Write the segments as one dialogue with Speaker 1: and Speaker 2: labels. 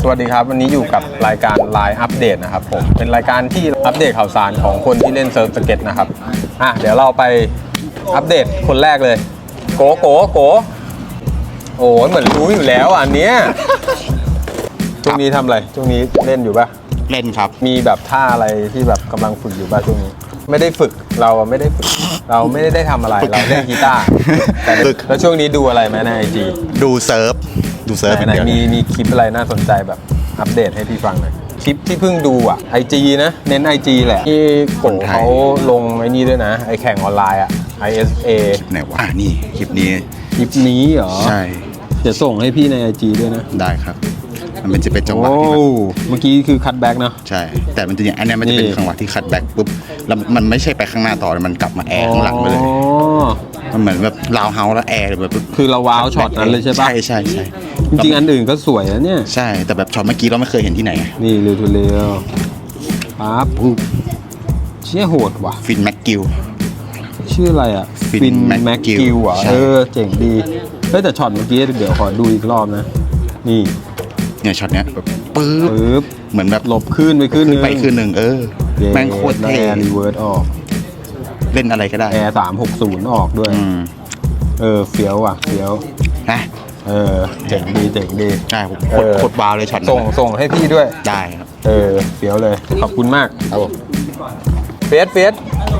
Speaker 1: สวัสดีครับวันนี้อยู่กับรายการ Line อัปเดตนะครับผมเป็นรายการที่อัปเดตข่าวสารของคนที่เล่นเซิร์ฟสเก็ตนะครับเดี๋ยวเราไปอัปเดตคนแรกเลยโกโอ้เหมือนรู้อยู่แล้วอันเนี้ยช่วงนี้ทำอะไรช่วงนี้เล่นอยู่ปะ
Speaker 2: เล่นครับ
Speaker 1: มีแบบท่าอะไรที่แบบกำลังฝึกอยู่ปะช่วงนี้ไม่ได้ฝึกเราไม่ได้ฝึกเราไม่ได้ทำอะไรเราเล่นกีตาร์แต่แล้วช่วงนี้ดูอะไรไหมใน IG
Speaker 2: ดูเซิร์ฟ
Speaker 1: ไหนมีคลิปอะไรน่าสนใจแบบอัปเดตให้พี่ฟังหน่อยคลิปที่เพิ่งดูIG นะเน้น IG แหละที่โกเขาลงไอ้นี่ด้วยนะไอแข่งออนไลน์ISA
Speaker 2: คลิปไหนวะนี่คลิปนี้
Speaker 1: เหรอ
Speaker 2: ใช่
Speaker 1: เดี๋ยวส่งให้พี่ใน IG ด้วยนะ
Speaker 2: ได้ครับมันจะเป็นจังหวะที่
Speaker 1: เมื่อกี้คือคัตแบ็กเนาะ
Speaker 2: ใช่แต่มันจะอย่างอันนี้มันจะเป็นจังหวะที่คัตแบ็กปุ๊บแล้วมันไม่ใช่ไปข้างหน้าต่อมันกลับมาแอร์ข้างหลังไปเลยมันเหมือนแบบลาวเฮาแล้วแอร์แบบ
Speaker 1: คือเราว้าวช็อตนั้นเลยใช่ปะ
Speaker 2: ใช่
Speaker 1: จริงๆอันอื่นก็สวยนะเนี่ย
Speaker 2: ใช่แต่แบบช็อตเมื่อกี้เราไม่เคยเห็นที่ไหน
Speaker 1: นี่เร็วปั๊บเชี่ยโหดว่ะ
Speaker 2: ฟินแม็กกิล
Speaker 1: ชื่ออะไรฟินแม็กกิลเจ๋งดีเฮ้ยแต่ช็อตเมื่อกี้เดี๋ยวขอดูอีกรอบนะนี่
Speaker 2: เนี่ยช็อตเนี้ยแบบปึ๊บเหมือนแบบ
Speaker 1: หลบขึ้นไปขึ้นหนึ่ง
Speaker 2: แม่งโคตรเท่
Speaker 1: รีเวิร์สออก
Speaker 2: เล่นอะไรก็ได้
Speaker 1: แอร์360ออกด้วยเฟี้ยวเฟี้ยว
Speaker 2: นะ
Speaker 1: เจ๋งดี
Speaker 2: ใช่ผมโคตรว้าวเลยช็อต
Speaker 1: ส่งให้พี่ด้วย
Speaker 2: ได้ครับ
Speaker 1: เฟี้ยวเลยขอบคุณมาก
Speaker 2: ครับผม
Speaker 1: เฟส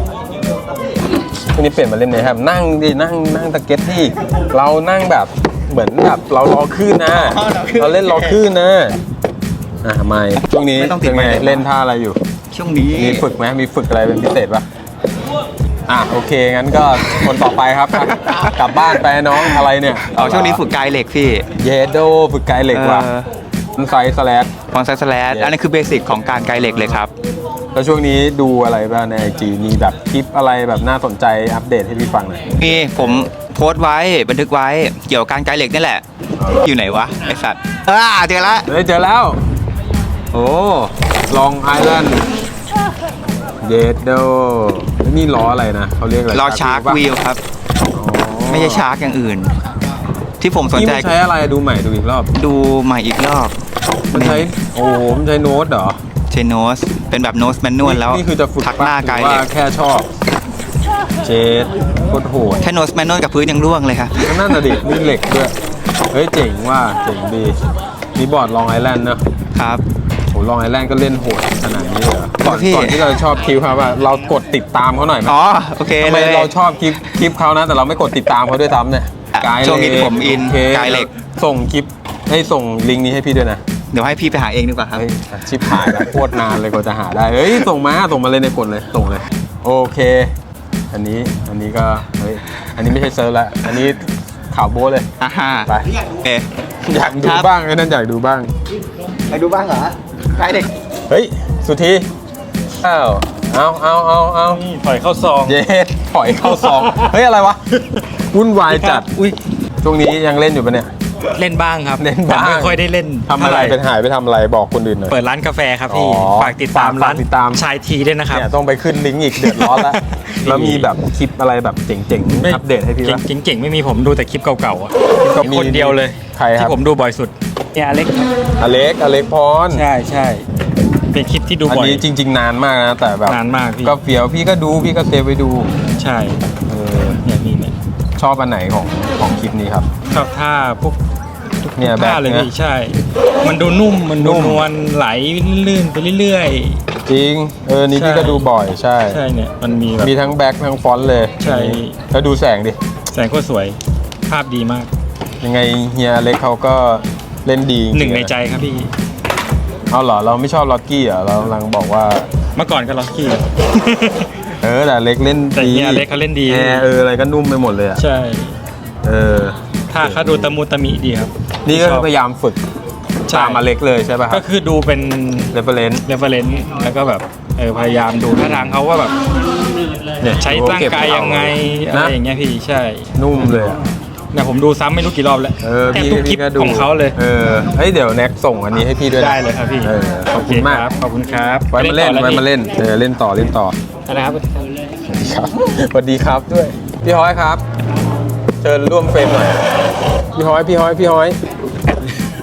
Speaker 1: วันนี้เปลี่ยนมาเล่นเลยครับนั่งตะเก็ตที่เรานั่งแบบเหมือนแบบเรารอขึ้นนะเราเล่นรอขึ้นนะไม่ช่วงนี้เป็นไงเล่นท่าอะไรอยู่
Speaker 2: ช่วงนี้
Speaker 1: มีฝึกไหมมีฝึกอะไรเป็นพิเศษปะโอเคงั้นก็คนต่อไปครับกลับบ้านไปน้องอะไรเนี่ย
Speaker 3: ช่วงนี้ฝึกไกเหล็กพี่
Speaker 1: เยโดฝึกไกเหล็กว่ะมันไซส์สแลช
Speaker 3: อันนี้คือเบสิกของการไกเหล็กเลยครับ
Speaker 1: แล้วช่วงนี้ดูอะไรบ้างใน IG มีแบบคลิปอะไรแบบน่าสนใจอัปเดตให้พี่ฟังหน่อย
Speaker 3: มีผมโพสต์ไว้บันทึกไว้เกี่ยวกับการไกเหล็กนี่แหละอยู่ไหนวะไอสัตว์เจอ
Speaker 1: แล้วโอ้ลองไอแลนด์เยโดนี่ล้ออะไรนะเขาเรียกอะไร
Speaker 3: ล้อชาร์กวีลครับไม่ใช่ชาร์กอย่างอื่นที่ผมสนใจ
Speaker 1: ใช้อะไรดูใหม่ดูอีกรอบ
Speaker 3: มัน
Speaker 1: ใช้โน้ตเหรอ
Speaker 3: ใช้โน้ตเป็นแบบโน้ตแมนนวลแล้ว
Speaker 1: นี่คือจะฝึก
Speaker 3: ทักหน้าไกเหล็ก
Speaker 1: แค่ชอบเจดโคตรโหด
Speaker 3: แค่โน้ตแมนนวลกับพื้นยังร่วงเลยครับ
Speaker 1: นั่นน่ะดินี่เหล็กด้วยเฮ้ยเจ๋งดีนี่บอร์ดลองไอแลนด์นะครับโหลองไอแลนด์ก็เล่นโหดขนาดนี้เลยก่อนที่เราชอบคลิปครับว่าเรากดติดตามเขาหน่อยไหม
Speaker 3: โอเค
Speaker 1: ทำไมเราชอบคลิปเขานะแต่เราไม่กดติดตามเขาด้วยซ้ำเนี่ย
Speaker 3: ช่วงนี้ผมอินไกเหล็ก
Speaker 1: ส่งคลิปให้ส่งลิงก์นี้ให้พี่ด้วยนะ
Speaker 3: เดี๋ยวให้พี่ไปหาเองดีกว่าครับ
Speaker 1: ชิปหายแล้วโคตรนานเลยกว่าจะหาได้ส่งมาเลยในกดเลยส่งเลยโอเคอันนี้ก็อันนี้ไม่ใช่เซิร์ฟแล้วอันนี้ข่าวโบ้เลยไปอยากดูบ้างนั่นอยากดูบ้าง
Speaker 3: เหรอไกเด็ก
Speaker 1: สุธีเอา
Speaker 4: ถอยเข้าซอง
Speaker 1: ถอยเข้าซองอะไรวะวุ่นวายจัดช่วงนี้ยังเล่นอยู่ปะเนี่ย
Speaker 4: เล่นบ้างครับ
Speaker 1: เล่นบ้าง
Speaker 4: ไม่ค่อยได้เล่น
Speaker 1: ทำอะไรเป็นหายไปทำอะไรบอกคนอื่นหน่อย
Speaker 4: เปิดร้านกาแฟครับพี่ฝากติดตามร้านชายทีด้วยนะครับ
Speaker 1: ต้องไปขึ้นลิงก์อีกเดือดร้อนแล้วแล้วมีแบบคลิปอะไรแบบเจ๋งๆอัปเดตให้พี่ว่า
Speaker 4: เจ๋งๆไม่มีผมดูแต่คลิปเก่าๆคนเดียวเลยที่ผมดูบ่อยสุดเนี่ยอเล็ก
Speaker 1: พร
Speaker 4: ใช่เป็นคลิปที่ดูบ่อย
Speaker 1: อันนี้จริงๆนานมากนะแต่แบบ
Speaker 4: นานมากพี่
Speaker 1: ก็เฟี้ยวพี่ก็ดูพี่ก็เซฟไว้ดู
Speaker 4: ใช่เนี่ย
Speaker 1: ชอบอันไหนของคลิปนี้ครับ
Speaker 4: ชอบท่าพวก
Speaker 1: เนี่ยแบบ
Speaker 4: เลยพี่ใช่มันดูนุ่มมันดูนวลไหลลื่นไปเรื่อย
Speaker 1: ๆจริงนี่พี่ก็ดูบ่อยใช่
Speaker 4: เนี่ยมัน
Speaker 1: มีทั้งแบ็คทั้งฟอนต์เลย
Speaker 4: ใช่
Speaker 1: แล้วดูแสงดิ
Speaker 4: แสงโคตรสวยภาพดีมาก
Speaker 1: ยังไงเฮียเล็กเขาก็เล่นดี
Speaker 4: หนึ่งในใจครับพี่
Speaker 1: เอาเหรอเราไม่ชอบล็อกกี้เหรอเรากำลังบอกว่า
Speaker 4: เมื่อก่อนก็ล็อกกี้
Speaker 1: แต่เล็กเล่น
Speaker 4: ดีแต่เฮียเล็กเขาเล่นดี
Speaker 1: อะไรก็นุ่มไปหมดเลย
Speaker 4: ใช่ถ้าเขาดูตะมูตะมิดีครับ
Speaker 1: นี่ก็พยายามฝึกตามมาเล็กเลยใช่ป่ะ
Speaker 4: ก็คือดูเป็น
Speaker 1: reference
Speaker 4: แล้วก็แบบพยายามดูท่าทางเขาว่าแบบใช้ร่างกายยังไงอะไรอย่างเงี้ยพี่ใช่
Speaker 1: นุ่มเลย
Speaker 4: เนี่ยผมดูซ้ำไม่รู้กี่รอบแล้วแทบทุกคลิปของเขาเลย
Speaker 1: เดี๋ยวแน็กส่งอันนี้ให้พี่ด้วย
Speaker 4: ได้เลยครับพี่
Speaker 1: ขอบคุณมาก
Speaker 4: ขอบคุณครับ
Speaker 1: ไว้มาเล่นเล่นต่อ
Speaker 4: นะครับ
Speaker 1: สวัสดีครับด้วยพี่ฮ้อยครับเชิญร่วมเฟรมหน่อยพี่ฮ้อย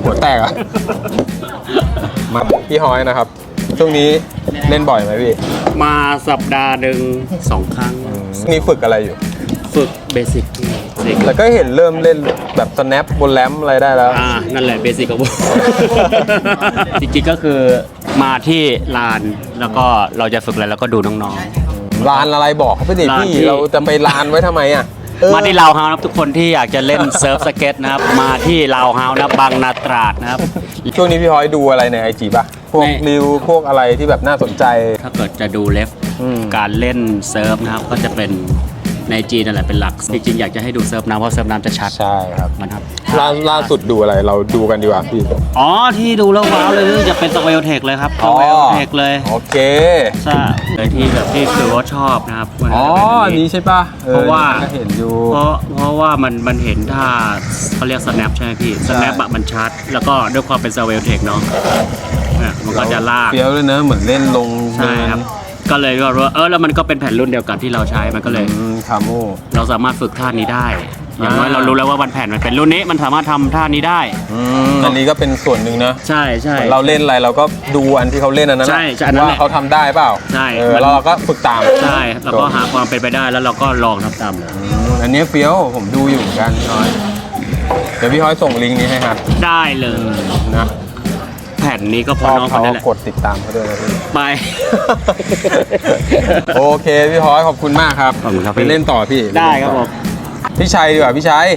Speaker 1: หัวแตกอะมาพี่ฮอยนะครับ ช่วงนี้เล่นบ่อยไหมพี่
Speaker 5: มาสัปดาห์หนึ่ง2 ครั้ง
Speaker 1: นี่ฝึกอะไรอยู่
Speaker 5: ฝึกเบสิก
Speaker 1: แต่ก็เห็นเริ่มเล่นแบบ snap บนแรมอะไรได้แล้ว
Speaker 5: นั่นแหละเบสิกของผม จริงๆก็คือมาที่ลานแล้วก็เราจะฝึกอะไรแล้วก็ดูน้อง
Speaker 1: ลานอะไรบอกเขาไปดิ
Speaker 5: ลาน
Speaker 1: พี่
Speaker 5: ที่
Speaker 1: เราจะไปลานไว้ทำไมอ่ะ
Speaker 5: ๆ มาที่ลาวเฮาส์นะครับทุกคนที่อยากจะเล่นเซิร์ฟสเก็ตนะครับ มาที่ลาวเฮาส์นะบางนาตราดนะครับ
Speaker 1: ช่วงนี้พี่ฮอยดูอะไรใน IG ป่ะ พวก
Speaker 5: ใน
Speaker 1: รีวพวกอะไรที่แบบน่าสนใจ
Speaker 5: ถ้าเกิดจะดูเลฟ
Speaker 1: อืม
Speaker 5: การเล่นเซิร์ฟนะครับก็จะเป็นในจีนนั่นแหละเป็นหลัก จริงๆอยากจะให้ดูเซิร์ฟน้ำเพราะเซิร์ฟน้ำจะชัด
Speaker 1: ใช่ครับ
Speaker 5: มันครับ
Speaker 1: ล่าสุดดูอะไรเราดูกันดีกว่าพี่
Speaker 5: อ๋อที่ดูแล้วว้าวเลยจะเป็นสเวลเทคเลยครับสเวลเทคเลย
Speaker 1: โอเค
Speaker 5: ใช่เลยที่แบบที่คือว่าชอบนะครับมัน
Speaker 1: อ๋อ
Speaker 5: จะเป็น
Speaker 1: อันนี้ใช่ป่ะออ
Speaker 5: เพราะว่า
Speaker 1: ก็เห็นอยู่
Speaker 5: เพราะว่ามันเห็นท่าเขาเรียก snap ใช่ไหมพี่ snap อะมันชัด แล้วก็ด้วยความเป็น swivel tech เนาะมันก็จะลาก
Speaker 1: เฟี้ยวเลยเนอะเหมือนเล่นลง
Speaker 5: ใช่ครับ ก็เลยก็รู้ว่าแล้วมันก็เป็นแผ่นรุ่นเดียวกันที่เราใช้มันก็เลย
Speaker 1: คาโม
Speaker 5: เราสามารถฝึกท่านี้ได้ อย่างน้อยเรารู้แล้วว่าวันแผ่นมันเป็นรุ่นนี้มันสามารถทำท่านี้ได้
Speaker 1: อันนี้ก็เป็นส่วนหนึ่งนะ
Speaker 5: ใช่ใช่
Speaker 1: เหมือนเราเล่นอะไรเราก็ดูอันที่เขาเล่นอันนั้น
Speaker 5: ใช่ใช่อันนั้นแหละ
Speaker 1: ว่าเขาทำได้เปล่า
Speaker 5: ใช่
Speaker 1: แล้วเราก็ฝึกตาม
Speaker 5: ใช่แล้วก็หาความเป็นไปได้แล้วเราก็ลองทำตามเลย
Speaker 1: อันนี้เฟี้ยวผมดูอยู่เหมือนกันพี่ฮอยเดี๋ยวพี่ฮอยส่งลิงก์นี้ให้ครับ
Speaker 5: ได้เลย
Speaker 1: นะ
Speaker 5: แผ่นนี้ก็พ
Speaker 1: ช
Speaker 5: อ
Speaker 1: อบ
Speaker 5: น้องค
Speaker 1: เขา
Speaker 5: นนั้นแหละ
Speaker 1: กดติดตามเขาด้วยนะพี่
Speaker 5: ไป
Speaker 1: โอเคพี่ฮอยขอบคุณมากครับ
Speaker 5: ขอบคุณครับ
Speaker 1: ไปเล่นต่อพี่
Speaker 5: ได้ครับผม
Speaker 1: พี่ชัยดีกว่าพี่ชัย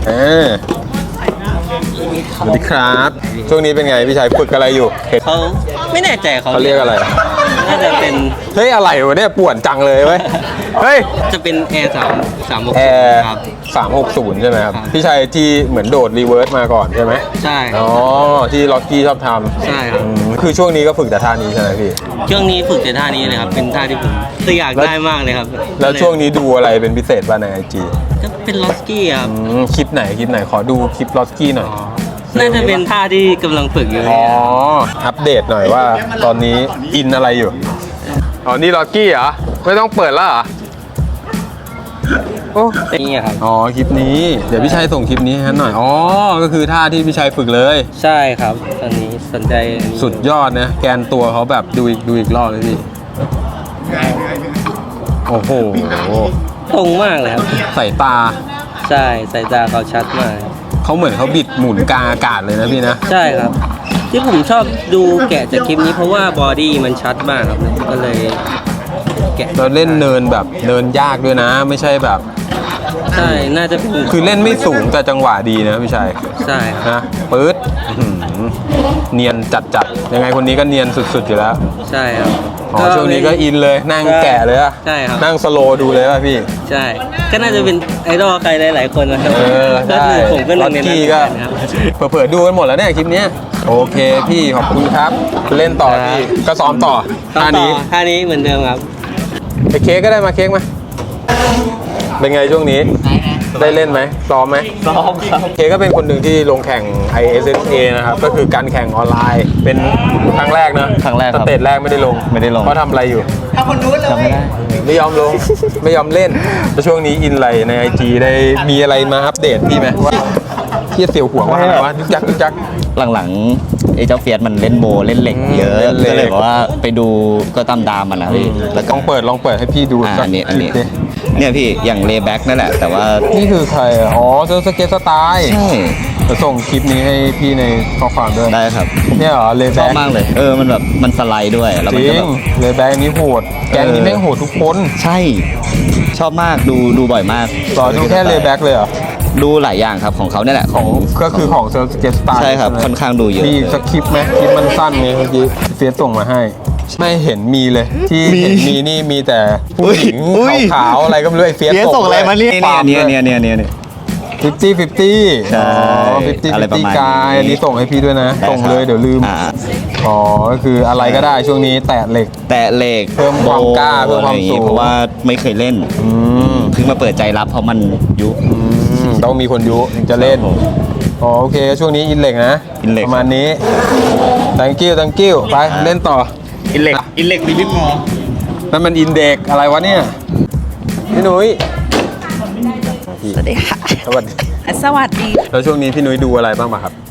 Speaker 1: สวัสดีครับ ช่วงนี้เป็นไงพี่ชัยฝึกอะไรอยู่
Speaker 6: เขาไม่แน่ใจเขา
Speaker 1: เขาเรียกอะไร
Speaker 6: น่าจะเป็น
Speaker 1: เฮ้ยอะไรวะเนี่ยป่วนจังเลยเว้ยเฮ้ย
Speaker 6: จะเป็นแอร์3
Speaker 1: แอร์
Speaker 6: ครับ
Speaker 1: 360 ใช่ไหมครับ
Speaker 6: ครับ
Speaker 1: พี่ชัยที่เหมือนโดดรีเวิร์สมาก่อนใช่ไหม
Speaker 6: ใช่ครั
Speaker 1: อ๋
Speaker 6: บ
Speaker 1: อที่ล็อกกี้ชอบทำ
Speaker 6: ใช่ครับ
Speaker 1: คือช่วงนี้ก็ฝึกแต่ท่านี้ใช่ไหมพี่
Speaker 6: ช่วงนี้ฝึกแต่ท่านี้เลยครับ เป็นท่าที่ผมอยากได้มากเลยครับ
Speaker 1: แล้วช่วงนี้ดูอะไรเป็นพิเศษบ้างในไอจี
Speaker 6: ก็เป็นลอสกี้ครับ
Speaker 1: คลิปไหนขอดูคลิปล็อกกี้หน่อย
Speaker 6: น่าจะเป็นท่าที่กำลังฝึกอยู่
Speaker 1: อ๋อ อัปเดตหน่อยว่าตอนนี้อินอะไรอยู่ อ๋อ นี่ล็อกกี้เหรอ ไม่ต้องเปิดแล้วเหรอ โอ้
Speaker 6: นี่ครับ
Speaker 1: อ๋อ คลิปนี้ เดี๋ยวพี่ชัยส่งคลิปนี้ให้หน่อย อ๋อ ก็คือท่าที่พี่ชัยฝึกเลย
Speaker 6: ใช่ครับ ตอนนี้สนใจอันนี้
Speaker 1: สุดยอดนะ แกนตัวเขาแบบดูอีกรอบเลยพี่ โอ้โห
Speaker 6: ตรงมากเลยครับ
Speaker 1: สายตา
Speaker 6: ใช่สายตาเขาชัดมากครับ
Speaker 1: เขาเหมือนเขาบิดหมุนกลางอากาศเลยนะพี่นะ
Speaker 6: ใช่ครับ ที่ผมชอบดูแกะจากคลิปนี้เพราะว่าบอดี้มันชัดมากครับ ก็เลยแกะ
Speaker 1: เราเล่นเนินแบบเนินยากด้วยนะ ไม่ใช่แบบ
Speaker 6: ใช่ น่าจะเป็น
Speaker 1: คือเล่นไม่สูงแต่จังหวะดีนะพี่ชัย
Speaker 6: ใช่ครับ
Speaker 1: นะปื๊ดอื้อหือเนียนจัดยังไงคนนี้ก็เนียนสุดๆอยู่แล้ว
Speaker 6: ใช่ครับ
Speaker 1: อ๋อช่วงนี้ก็อินเลยนั่งแกะเลยอะ
Speaker 6: ใช่ครับ
Speaker 1: นั่งสโลว์ดูเลยป่ะพี่
Speaker 6: ใช่ ก็น่าจะเป็นไอดอลใครหลายๆคนนะครับ ก็
Speaker 1: ได้
Speaker 6: คือผมก็หนึ่งในนั้น
Speaker 1: กี้
Speaker 6: เหมือน
Speaker 1: ก็
Speaker 6: กันครับ
Speaker 1: เผื่อๆดูกันหมดแล้วเนี่ยคลิปเนี้ยโอเคพี่ขอบคุณครับ เล่นต่อพี่ก็ซ้อมต่อท่านี้
Speaker 6: ท่านี้เหมือนเดิมครับ
Speaker 1: ไอเค้กก็ได้มาเค้กมาเป็นไงช่วงนี้ ได้เล่นไหมซ้อมไหม
Speaker 6: ซ้อมครับ
Speaker 1: เค้กก็เป็นคนหนึ่งที่ลงแข่ง ISSA นะครับก็คือการแข่งออนไลน์ เป็นครั้งแรกนะ
Speaker 3: ครั้งแรก
Speaker 1: ส
Speaker 3: ครับ
Speaker 1: เตจแรกไม่ได้ลง
Speaker 3: ไม่ได้ลง
Speaker 1: เพราะทำอะไรอยู่
Speaker 3: จำไม่ได้
Speaker 1: ไม่ยอมลง ไม่ยอมเล่นแล้วช่วงนี้อินอะไรใน IG ได้มีอะไรมาอัปเดตพี่ไหมว่าที่เสียวหัวว่าอะไรวะยึกยัก
Speaker 3: หลังๆไอ้เจ้าเฟียสมันเล่นโบเล่นเหล็กเยอะ
Speaker 1: เล่นเหล็ก
Speaker 3: ก็เลยบอกว่าไปดูก็ตามดามมันนะพี่แล้ว
Speaker 1: ล
Speaker 3: ก็
Speaker 1: องเปิดให้พี่ดูสัก
Speaker 3: อันนี้
Speaker 1: คลิปดิ
Speaker 3: เนี่ยพี่อย่างเลแบ็กนั่นแหละ แต่ว่า
Speaker 1: นี่คือใครอ่ะอ๋อเซิร์ฟสเก็ตสไตล์
Speaker 3: ใช่
Speaker 1: จะส่งคลิปนี้ให้พี่ในข้อความด้วย
Speaker 3: ได้ครับ
Speaker 1: เนี่ยเหรอเล
Speaker 3: ช
Speaker 1: แบ็
Speaker 3: อบ
Speaker 1: ก
Speaker 3: มากเลยมันแบบมันสไลด์ด้วยแล้ว
Speaker 1: จ
Speaker 3: มัน
Speaker 1: ริ
Speaker 3: ก็
Speaker 1: ง
Speaker 3: แบบ
Speaker 1: เลแบ็กนี้โหดแก๊งนี้แม่งโหดทุกคน
Speaker 3: ใช่ ชอบมากดูบ่อยมาก
Speaker 1: ต่อดูแค่เลแบ็กเลยเหรอ
Speaker 3: ดูหลายอย่างครับของเขาเนี่ยแหละ
Speaker 1: ของก็คือของเซิร์ฟสเก็ตสไตล์
Speaker 3: ใช่ครับค่อนข้างดูเยอะ
Speaker 1: มีสคริปต์ไหมคลิปมันสั้นไงเมื่อกี้เฟียสส่งมาให้ ไม่เห็นมีเลย ที่เห็นมีนี่มีแต่ผู้หญิง
Speaker 3: อุ้ย
Speaker 1: ขาวๆอะไรก็ไม่รู้ไอ้เฟียส
Speaker 3: เฟียสส่งอะไรมาเนี่ย
Speaker 1: ฟาร์ม
Speaker 3: เนี่ย
Speaker 1: ด้วย
Speaker 3: เนี่ย
Speaker 1: 50
Speaker 3: ใช่
Speaker 1: 50
Speaker 3: อะไรประมาณ
Speaker 1: 50กาย
Speaker 3: นี้
Speaker 1: อันนี้ส่งให้พี่ด้วยนะ ส่งเลยเดี๋ยวลืม อ๋อ ก็คืออะไรก็ได้ช่วงนี้แตะเหล็ก
Speaker 3: แต่เหล็ก
Speaker 1: เพิ่มความกล้า
Speaker 3: โบ
Speaker 1: เพิ่มความ
Speaker 3: อะไรอย่
Speaker 1: สูง
Speaker 3: เพราะว่าไม่เคยเล่น
Speaker 1: อืม
Speaker 3: เพิ่งมาเปิดใจรับเพราะมันยุค
Speaker 1: ต้องมีคนยุถึงจะเล่น อ๋อโอเค ช่วงนี้อินเหล็กนะ
Speaker 3: อินเหล็ก
Speaker 1: ประมาณนี้ thank you ไปเล่นต่อ
Speaker 5: อินเล็กมีลิฟต์มอ
Speaker 1: นั่นมันอินเด็กอะไรวะเนี่ย พี่นุ้ย
Speaker 7: สวัสดีค่ะ
Speaker 1: สวัสดี
Speaker 7: สวัสดี
Speaker 1: แล้วช่วงนี้พี่นุ้ยดูอะไรบ้างป่ะครับ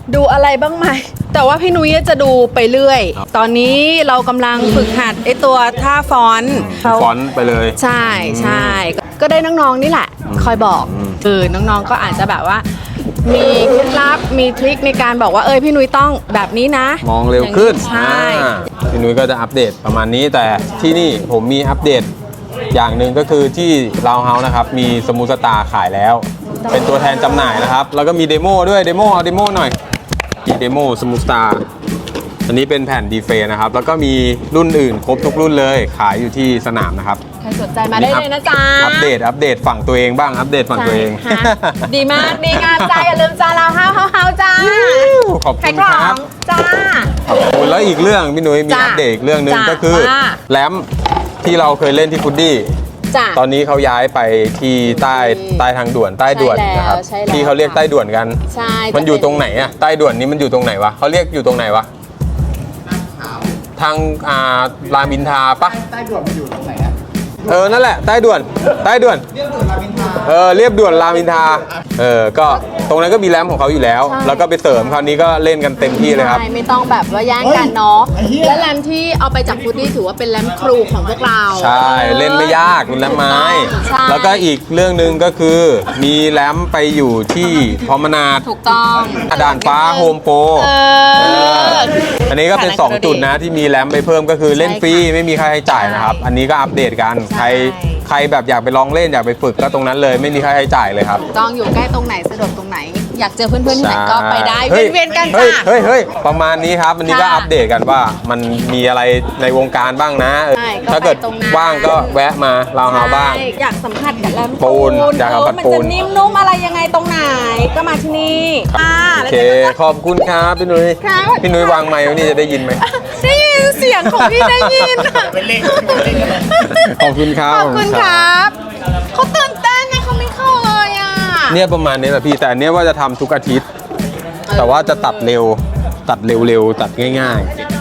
Speaker 7: ดูอะไรบ้างไหม แต่ว่าพี่นุ้ยจะดูไปเรื่อย ตอนนี้เรากำลังฝึกหัดไอตัวท่าฟอนต์
Speaker 1: ฟอนต์ไปเลย
Speaker 7: ใช่ใช่ก็ได้น้องๆนี่แหละ คอยบอกน้องๆก็อาจจะแบบว่า มีเคล็ดลับมีทริคในการบอกว่าพี่นุ้ยต้องแบบนี้นะ
Speaker 1: มองเร็วขึ้น
Speaker 7: ใช่
Speaker 1: พี่นุ้ยก็จะอัปเดตประมาณนี้แต่ที่นี่ผมมีอัปเดตอย่างหนึ่งก็คือที่ลาวเฮาส์นะครับมีสมูทสตาร์ขายแล้ว เป็นตัวแทนจำหน่ายนะครับ แล้วก็มีเดโมด้วยเดโมเอาเดโมหน่อยมีเดโมสมูทสตาร์อันนี้เป็นแผ่นดีเฟนะครับแล้วก็มีรุ่นอื่นครบทุกรุ่นเลยขายอยู่ที่สนามนะครับ
Speaker 7: ใครสนใจมาได้เลยนะจ๊ะ
Speaker 1: อัปเดตฝั่งตัวเองบ้างอัปเดตฝั่งตัวเอง
Speaker 7: ใช่ค่ะดีมากดีงามจ้าอย่าลืมจ้าเราเฮาจ้า
Speaker 1: ขอบ
Speaker 7: ใคร
Speaker 1: คุณ
Speaker 7: กล่
Speaker 1: ค
Speaker 7: อ
Speaker 1: รับ
Speaker 7: งจ้า
Speaker 1: ขอบคุณแล้วอีกเรื่องพี่นุ้ยมี
Speaker 7: จ้ะ
Speaker 1: อัปเดตอีกเรื่องหนึ่ง
Speaker 7: จ้ะ
Speaker 1: ก็คือ
Speaker 7: ว่า
Speaker 1: แรมที่เราเคยเล่นที่ฟุดดี้
Speaker 7: จ้า
Speaker 1: ตอนนี้เขาย้ายไปที่ใต้ทางด่วนใต้ด่วน
Speaker 7: ใช่แล้ว
Speaker 1: นะครับ
Speaker 7: ใช่แล้ว
Speaker 1: ที่เขาเรียกใต้ด่วนกัน
Speaker 7: ใช่
Speaker 1: มันอยู่ตรงไหนอะใต้ด่วนนี้มันอยู่ตรงไหนวะเขาเรียกอยู่ตรงไหนวะทางรามอินทราปะใต้ด่วนมันอยู่ตรงไหนอะนั่นแหละใต้ด่วนเรียบด่วนรามอินทราเรียบด่วนรามอินทราก็ตรงนั้นก็มีแรมของเขาอยู่แล้ว แล้วก็ไปเสริมคราวนี้ก็เล่นกันเต็มที่เลยครับ
Speaker 7: ใช่ไม่ต้องแบบว่าแย่งกันเนาะและแรมที่เอาไปจากฟุตดี้ถือว่าเป็นแรมครูของพวกเรา
Speaker 1: ใช่เล่นไม่ยากเป็นแรมไม้
Speaker 7: ใช่
Speaker 1: แล้วก็อีกเรื่องหนึ่งก็คือมีแรมไปอยู่ที่พรอมนาด
Speaker 7: ถูกต้อง
Speaker 1: ด่านฟ้าโฮมโปร อันนี้ก็เป็น 2 จุดนะที่มีแรมไปเพิ่มก็คือเล่นฟรีไม่มีค่าใช้จ่ายนะครับ อันนี้ก็อัปเดตกันใครแบบอยากไปลองเล่นอยากไปฝึกก็ตรงนั้นเลยไม่มีค่าใช้จ่ายเลยครับ
Speaker 7: ต้องอยู่ใกล้ตรงไหนสะดวกตรงไหน อยากเจอเพื่อนๆที่ไหนก็ไปได้
Speaker 1: ฮ้ย
Speaker 7: เวียนๆกัน
Speaker 1: เฮ้
Speaker 7: จ้ะ
Speaker 1: ยประมาณนี้ครับวันนี้ก็
Speaker 7: ค่ะ
Speaker 1: อัปเดตกันว่ามันมีอะไรในวงการบ้างนะ
Speaker 7: ใช่ก็
Speaker 1: ถ้าเกิด
Speaker 7: ไปตรงนั้น
Speaker 1: ว่างก็แวะมาลาวเฮาบ้าง
Speaker 7: ใช่อยากสัมผัสกับแรม
Speaker 1: ปูนอยากสัมผัส
Speaker 7: มัน
Speaker 1: ปู
Speaker 7: จะ
Speaker 1: น
Speaker 7: นิ่มนุ่มอะไรยังไงตรงไหนก็มาที่นี่
Speaker 1: โอ
Speaker 7: แล้ว
Speaker 1: เค
Speaker 7: เดี๋ยวก็
Speaker 1: ขอบคุณครับพี่นุ้ย
Speaker 7: ค่ะ
Speaker 1: พี่นุ้ยวางไมค์ไว้นี่จะได้ยินไหม
Speaker 7: ได้ยินเสียงของพี่ได้ยิน
Speaker 1: ขอบคุณครับ
Speaker 7: ขอบคุณครับเขาตื่นเต้นไงเขาไม่เข้าเลยอ่ะ
Speaker 1: เนี่ยประมาณนี้แหละพี่แต่อันเนี้ยว่าจะทำทุกอาทิตย์ แต่ว่าจะตัดเร็วตัดง่ายๆ